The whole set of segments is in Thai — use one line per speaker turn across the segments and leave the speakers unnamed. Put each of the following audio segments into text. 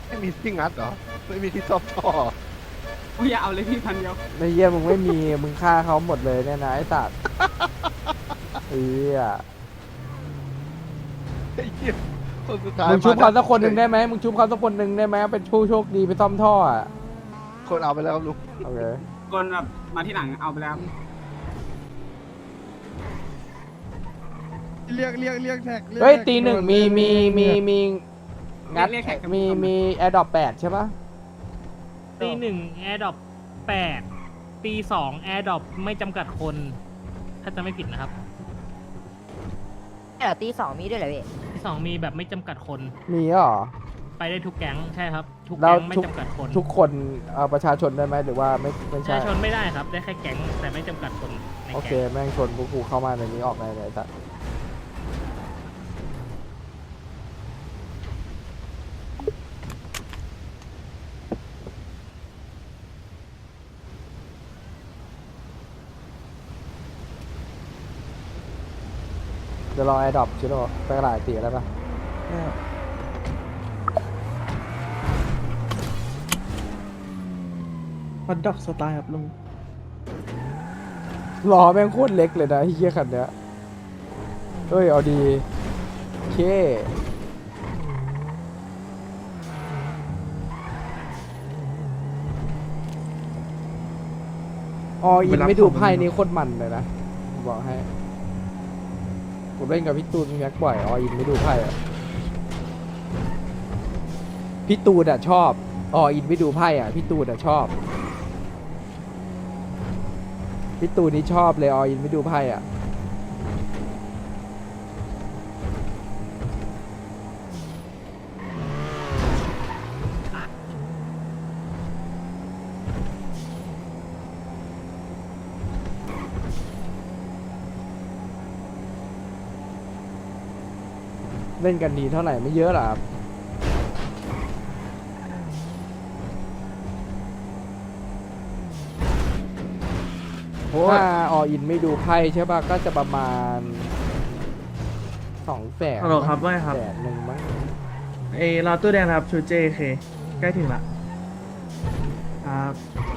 ไม่มีที่งัดเหรอไม่มีที่ซ่อมท่อ
กูอย่าเอาเลยพี่พันเดียว
ในเยี่ยมึงไม่มีมึงฆ่าเขาหมดเลยเนี่ยนะไอ้สัตว์เอ้ย
ไอ้เหี้ยคนสุดท้าย
มึงชุบเขาสักคนหนึ่งได้ไหมมึงชุบเขาสักคนหนึ่งได้ไหมเป็นผู้โชคดีไปซ่อมท่ออ่ะ
คนเอาไปแล้วครับลุง
โอเค
คนแบบมาที่หลังเอาไปแล้ว
เรียกแท็ก
เฮ้ยตีหนึ่งมีงัด
เรียกแขก
มีแอร์ดรอป8ใช่ปะ
ตีหนึ่งแอร์ดรอป8ตีสองแอร์ดรอปไม่จำกัดคน ถ้าจะไม่ผิดนะครับ
เดี๋ยวตีสองมีด้วยเหรอพี่
ที่สองมีแบบไม่จำกัดคน
มีเหรอ
ไปได้ทุกแก๊งใช่ครับ ทุก
แล้ว
แก๊งไม่จำกัดคน
ทุกคนประชาชนได้ไหมหรือว่าไม่
ประ
ใช่
ชาชนไม่ได้ครับ ได้แค่แก๊งแต่ไม่จำกัดคนใน
โอเค
แก๊ง
แม่งชนพวกกูเข้ามาในนี้ออกในไหนสัตว์เดี๋ยวรอแอร์ดรอปชิโร่ไปกระดาษตีแล้วปะ
ฮอตดอกสไตล์ครับลุง
ล้อแม่งโคตรเล็กเลยนะไอ้เหี้ยคันเนี้ยเฮ้ยเอาดีโอเคออินไม่ดูไพ่นี่โคตรมันเลยนะผมบอกให้ผมเล่นกับพี่ตูนพี่แม็กบ่อยออินไม่ดูไพ่อะพี่ตูนอะชอบออินไม่ดูไพ่อะพี่ตูนอะชอบพี่ตูนนี่ชอบเลยออินไม่ดูไพ่อะเล่นกันดีเท่าไหร่ไม่เยอะหรอครับถ้าออินไม่ดูไพ่ใช่ป่ะก็จะประมาณ200,000
ฮัลโหลครับว่าไงครับ
100,000มั้ง
เอรอตู้แดงนะครับชูเจเคใกล้ถึงละครับ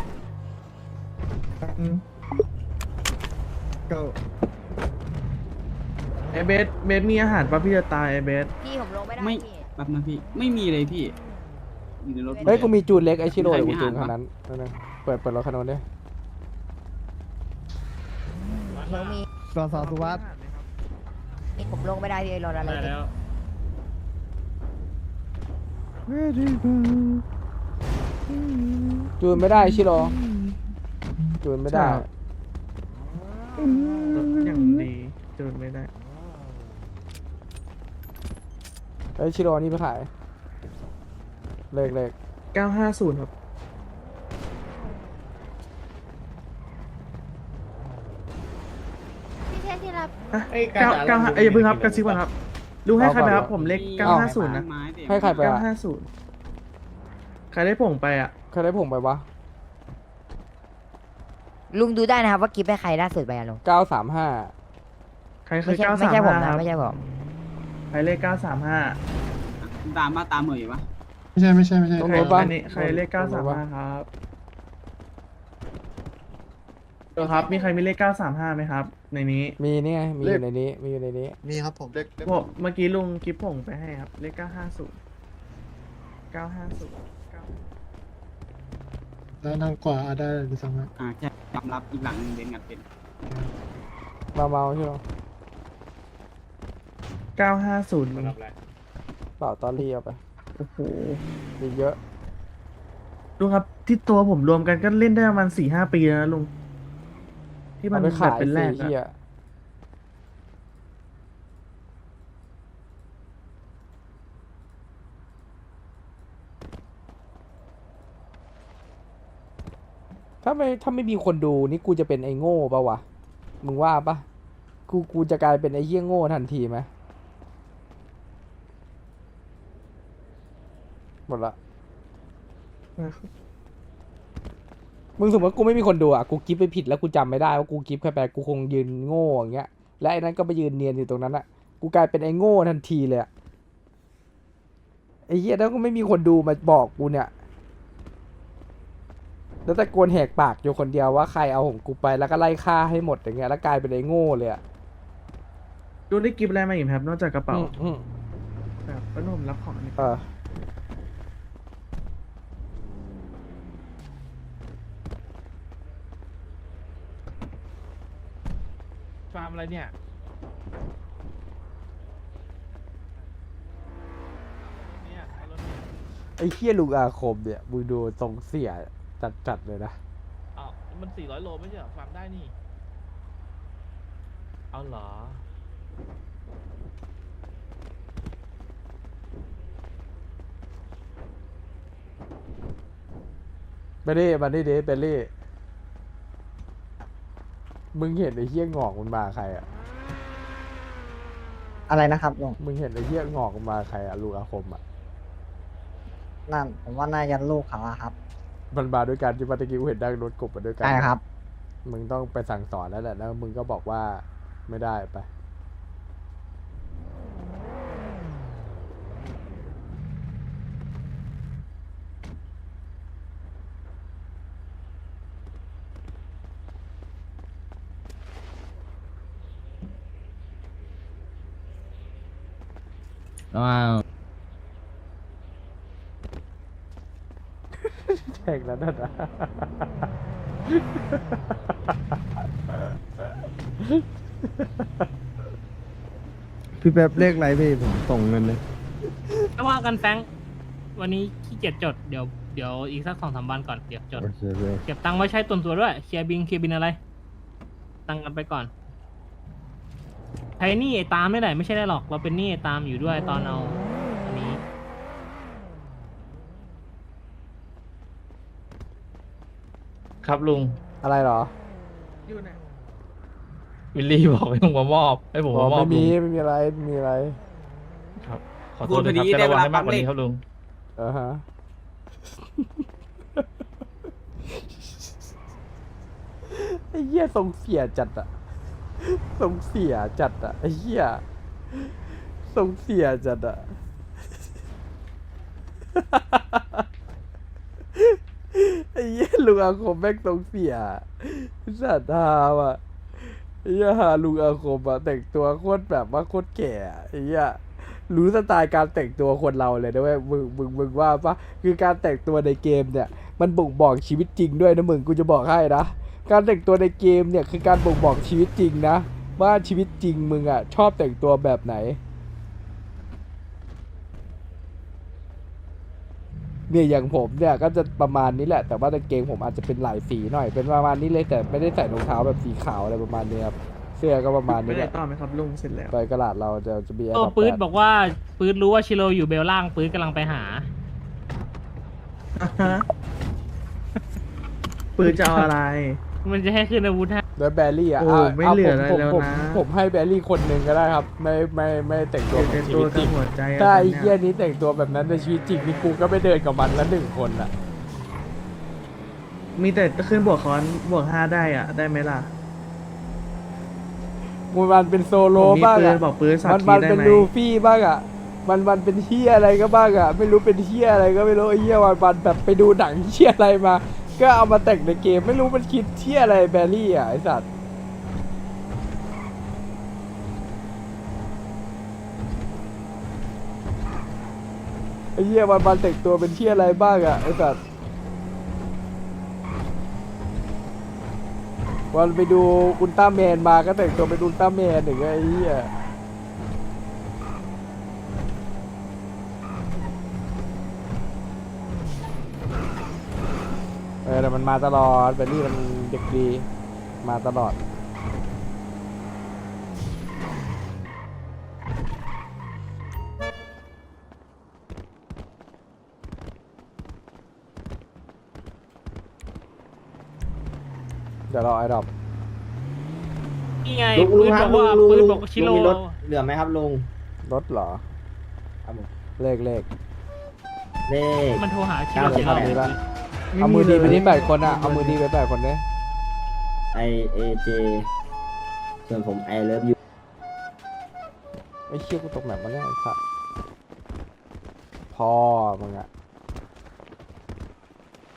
ก็ไอเบสมีอาหารป่ะพี่จะตายไอเบส
พี่ผมลงไม่ได้
ไม่
พี่
แบบนั้นพี่ไม่มีเลยพี่อยู่ในรถ
เฮ้ยกูมีจูนเล็กไอชิโร่
ใคร
เดี๋ยว
มี
กูจูน
อาหาร
คันนั้นนั่นนะเปิดรถคันนั้นดิ
ผมมี
สอสุวัสด์
นี่ผมลงไม่ได้พี่รถอะไร
ได้
พี่
แล้ว
จูนไม่ได้ชิโร่จูนไม่ได้
รถอย่างดีจูนไม่ได้
เฮ้ยชิโร่นี่ไปขายเลข
950ครับ
พี่เทสที่รับ
อ่ะเก้าห้าอย่าเพิ่งครับกระซิบก่อนครับลุงให้ใครไปครับผมเลข950นะ
ให้ใครไปอะ
950ใครได้ผงไปอ่ะ
ใครได้ผงไปวะ
ลุงดูได้นะครับว่ากิฟต์ให้ใครล่าสุดไปอะลุง
935
ใครเค
ไม่
ย
ใช่ไม่ใช่ผมนะ
935ครับ
ไม่ใช่ผม
ใครเลข935
ตามมาตามเหมยอยู่ปะ
ตรง
ใคร
นู้นปะ
อันนี้ใครเลข
ตรงนู้นปะ
935ครับเออครับมีใครมีเลข935ไหมครับ ในนี้
มีนี่ไงมีอยู่ในนี้มีอยู่ในนี้
มีครับผม
ผมเมื่อกี้ลุงกิฟผงไปให้ครับ เลข950
แล้วทางขวาได้หรือสั่งไหม
ใช่ยอมรับอีกหลังหนึงเด่นงัดเป็น
เมาใช่ไหม
950
เปล่าตอรี่เอาไป
โอ้โห
มีเยอะ
ลุงครับที่ตัวผมรวมกันก็เล่นได้ประมาณ4-5 ปีแล้วนะลุงที่มั
เอา
น
ไป
แบ
ขา
บ
ย
เป็นแร
สิ
ก
เฮีย
อะ
ถ้าไม่มีคนดูนี่กูจะเป็นไอ้โง่ปะวะมึงว่าปะกูจะกลายเป็นไอ้เหี้ยโง่ทันทีไหมหมดละมึงสมมติกูไม่มีคนดูอ่ะกูกิฟไปผิดแล้วกูจำไม่ได้ว่ากูกิฟใครไปกูคงยืนโง่อย่างเงี้ยและไอ้นั้นก็ไปยืนเนียนอยู่ตรงนั้นอ่ะกูกลายเป็นไอ้โง่ทันทีเลยอ่ะไอ้เหี้ยแล้วก็ไม่มีคนดูมาบอกกูเนี่ย แล้วตะโกนแหกปากอยู่คนเดียวว่าใครเอาของกูไปแล้วก็ไล่ฆ่าให้หมดอย่างเงี้ยแล้วกลายเป็นไอ้โง่เลยอะ
ลุงได้กิฟต์อะไรมาอีกไหมครับ นอกจากกระเป๋า
อืม
แบบป้านุ่มรับของนี่
ฟาร์มอะไรเนี่ย
ไอ้เหี้ยลุงอาคมเนี่ยมึงดูทรงเสียจัดเลยนะ
อ้าวมัน400 โลไม่ใช่เหรอฟาร์มได้นี่ เอาเหรอ
เบลลี่มาดิเดเบลลี่มึงเห็นไอ้เหี้ยงอกมันมาใครอะ
อะไรนะครับลุง
มึงเห็นไอ้เหี้ยงอกมันมาใครอะลุงอาคมอะ
นั่นผมว่าน่าจะลูกเขาอะครับ
มันมาด้วยกันที่ปาตะกี้กูเห็นนั่งรถกบมาด้วยกัน
ใช่ครับ
มึงต้องไปสั่งสอนแล้วแหละแล้วมึงก็บอกว่าไม่ได้ไป แข่งแล้วนั่นนะ
พี่แป๊บเลขอะไรพี่ผมส่งเงินเลย
ไม่ว่ากันแฟรงค์วันนี้ขี้เกียจจด เดี๋ยวอีกสัก2-3 วันก่อน เดี๋ยวจด
โอเคพี่
เก็บตังค์ไว้ใช้ตัวด้วย เคลียร์บินอะไร ตังค์กันไปก่อนใช้หนี้ไอ้ตามไม่ได้ไม่ใช่ได้หรอก เราเป็นหนี้ไอ้ตามอยู่ด้วยตอนเอาอันนี้
ครับลุง
อะไรเหรอ
อยู่ไหน
วิลลี่บอกให้ผมมามอบให้ผม
อ๋อ
มามอบ
ไม่
ลุ
มี
ง
ไม่มีอะไรไม่มีอะไร
ครับขอโทษนะครับจะระวังให้มากกว่านี้ครับลุง
ฮะ ไอ้เหี้ยทรงเสียจัดอะทรงเสียจัดอะไอ้เหี้ยทรงเสียจัดอะ ไอ้เหี้ยลุงอาคมแม่งทรงเสียสัตว์ฮาว่ะไอ้เหี้ยหาลุงอาคมอะแต่งตัวโคตรแบบว่าโคตรแก่อะไอ้เหี้ยรู้สไตล์การแต่งตัวคนเราเลยนะเว้ยมึงว่าปะคือการแต่งตัวในเกมเนี่ย มันบ่งบอกชีวิตจริงด้วยนะมึงกูจะบอกให้นะการแต่งตัวในเกมเนี่ยคือการบ่งบอกชีวิตจริงนะว่าชีวิตจริงมึงอะชอบแต่งตัวแบบไหนเนี่ยอย่างผมเนี่ยก็จะประมาณนี้แหละแต่ว่าในเกงผมอาจจะเป็นหลายสีหน่อยเป็นประมาณนี้เลยแต่ไม่ได้ใส่รองเท้าแบบสีขาวอะไรประมาณนี้ครับเสื้อก็ประมาณ
ไม่
นี้แห
ได้
ละ
ต่อไหมครับลุงเสร็จแล้ว
ไปกระดาษเราจะมีแอ
โอ้
ร์
ปื๊ดบอกว่าปื๊ดรู้ว่าชิโรอยู่เบลล่างปื๊ดกำลังไปหา
ปืนจะเอาอะไร
มันจะให้ขึ้นอาวุธให้
แล้วแบรี่อ่ะ
โอ้ไม่เหลืออะไรแล้วนะ
ผมให้แบรี่คนหนึ่งก็ได้ครับ ไม่แต่งตัว
เป็
เป็น
น
ชี
ตัว
วิตจ
กั
ริ
บ
ง
หัวใจอะ
ถ้าไอ้
ตอน
เหี้
เนี้
ย
ย
นี้แต่งตัวแบบนั้นในชีวิตจริงนี่กูก็ไม่เดินกับมันละ1 คนอ่ะ
มีแต่ขึ้นบวกค้อนบวก5ได้อ่ะ ได้ไหมล่ะ
มันเป็นโซโล
ผมมี
บ้าง
ปื
อ่ะ
นบอกปืนสัก
มัน
ที
มัน
ได้
เป็น
ไหม
ลูฟี่บ้างอ่ะมันเป็นเฮียอะไรก็บ้างอ่ะไม่รู้เป็นเฮียอะไรก็ไม่รู้ไอ้เฮียวันแบบไปดูหนังเฮียอะไรมา ก็เอามาแต่งในเกมไม่รู้มันคิดเฮียอะไรแบรี่อ่ะไอสัตว์ไอ้เฮียวันแต่งตัวเป็นเฮียอะไรบ้างอ่ะไอสัตว์วันไปดูอุลตร้าแมนมาก็แต่งตัวเป็นอุลตร้าแมนอย่างเงี้ยไอ้เฮียแต่มันมาตลอดแบลลี่มันเด็กดีมาตลอดเดี๋ยวรอไอ้ดอก
นี่ไง
ลุง
ปื๊ด
ครับ
บอกว่า
ลุง
ปื๊ด
ลุง
บอกว่าชิโร
ลุงมีรถ เหลือไหมครับลุง
รถเหรอ
ครับผม
เลข
เลข
มันโทรหาชิโร
ครับ
ชิโร
มีปะเอามือดีไปที่8 คนอ่ะเอามือดีไป8 คนเนี่ย
IAJ ส่วนผม I love you
ไอ้เชี่ยกูตกแบบมาเนี่ยไอ้สัสพพ่อมึงอะ